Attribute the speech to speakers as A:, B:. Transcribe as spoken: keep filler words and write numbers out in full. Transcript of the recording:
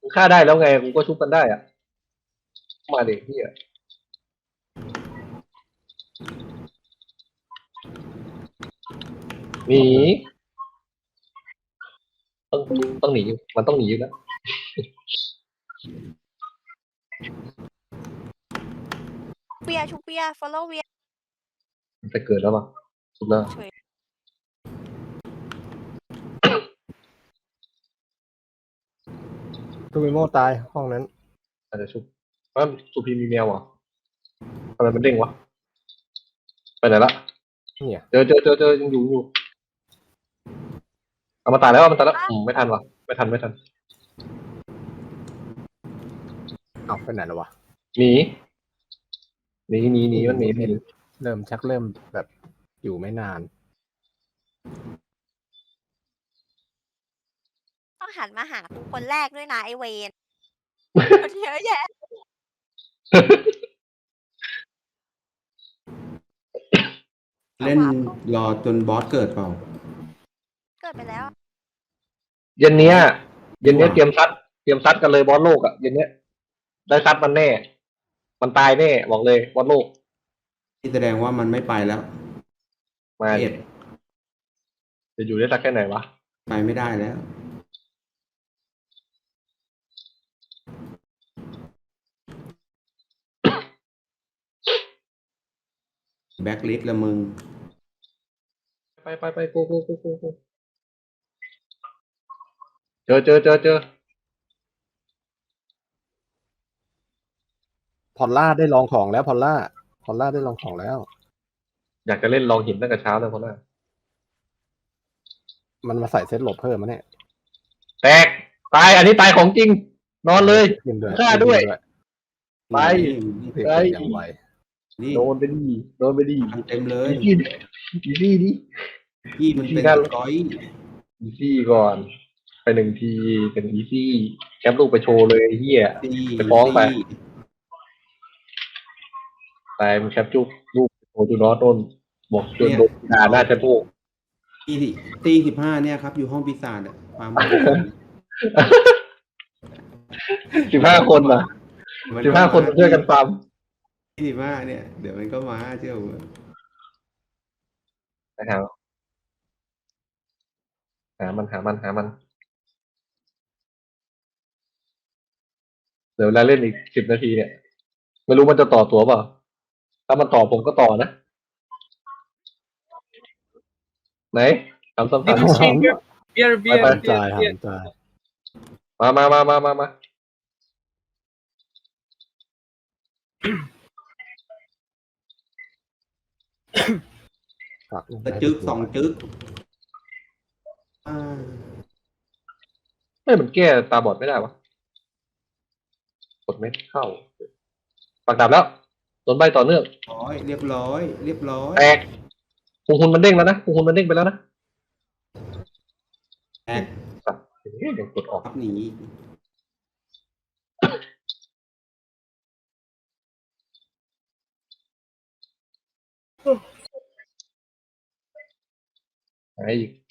A: ฆ่าได้แล้วไงกูก็ชุบกันได้อ่ะมาเด็กพี่อ่ะหนีต้องต้องหนีมันต้องหนีอยู่แล้ว
B: เวียชุบเวีย follow เวีย
A: มันจะเกิดแล้วป่ะชุบแล้ว
B: เฉย
C: ทูมิโมตายห้องนั้น
A: อาจจะชุบว่าสุพีมีแมวอ่ะทำไมมันเด้งวะไปไหนละ
C: เนี่ย
A: เจอเจอเจอเจอยังอยู่อยู่เอามาตายแล้วมันตายแล้วอืมไม่ทันวะไม่ทันไม่ทัน
C: เอาไปไหนแล้ววะ
A: หนีหนีหนีหนีมันหนีหนี
C: เริ่มชักเริ่มแบบอยู่ไม่นาน
B: ต้องหันมาหากูคนแรกด้วยนะไอเวนคนเยอะแยะ
D: เล่นรอจนบอสเกิดเปล่า
B: เกิดไปแล้ว
A: เย็นเนี้ยเย็นเนี้ยเตรียมซัดเตรียมซัดกันเลยบอสโลกอ่ะเย็นเนี้ยได้ซัดมันแน่ มันตายแน่บอกเลยบอสโลก
D: ที่แสดงว่ามันไม่ไปแล้ว
A: มาดิ
D: เอ็ด
A: จะอยู่ได้สักแค่ไหนวะ
D: ไปไม่ได้แล้ว แบ็คลิสต์ละมึง
A: ไปไปไปโกโกโกโกโกเจอเจอเจอเจอ
C: พอลล่าได้ลองของแล้วพอลล่าพอลล่าได้ลองของแล้ว
A: อยากจะเล่นลองหินตั้งแต่เช้าเลยเพราะว่า
C: มันมาใส่เซตหลบเพิ่มมาเนี่ย
A: แตกตายอันนี้ตายของจริง นอนเลย
C: ขึ้นด้วย
A: ฆ่าด้วย ไป
C: เพียง
A: ไป
C: อย่างไว
D: นี่
A: โดนไปดีโดนไปดี
D: ทำเต็มเลย
A: อีซี่อีซี่ดิ
D: พี่มันเป็น
A: ที่นั่น
D: สกอย
A: อีซี่ก่อน ไปหนึ่งทีเป็นอีซี่แคปลูกไปโชว์เลยไอ้เฮีย
D: ตี
A: ไปฟ้องไป
D: ตี
A: ตายมันแคปจุกลูกโอ้ดูน้อต้นบอกจนโดนด่าหน้าจะโบก
D: ตีตีสิบห้าเนี่ยครับ อยู่ห้องปีศาจอะความ
A: สิบห้าคนเหรอสิบห้าคนช่วยกันฟาร์ม
D: ที่สิบห้าเนี่ย เดี๋ยวมันก็มาเชื่อผม
A: นะครับหามันหามันหามัน เดี๋ยวเวลาเล่นอีกสิบนาทีเนี่ย ไม่รู้มันจะต่อตัวเปล่า ถ้ามันต่อผมก็ต่อนะ ไหนทำซ้ำ
E: Little chamber. Beer, beer,
A: ไป
C: หาม
E: beer,
C: จ่ายหา
E: beer.
C: มจ่าย
A: ๆมามามามามามา
C: ฝากลูก
D: กระจึกสองจึกอ่า
A: เฮ้ยมันแก้ตาบอดไม่ได้วะกดเม็ดเข้าปากดับแล้วโดนใบต่อเนื่อง
D: ร้อยเรียบร้อย เรียบร้อย
A: แตกพุงคุณมันเด้งแล้วนะพุงคุณมันเด้งไปแล้วนะ
D: แตก
A: สัตว์เฮ้ยยังกดออก
D: ครับหนี
A: หายอีก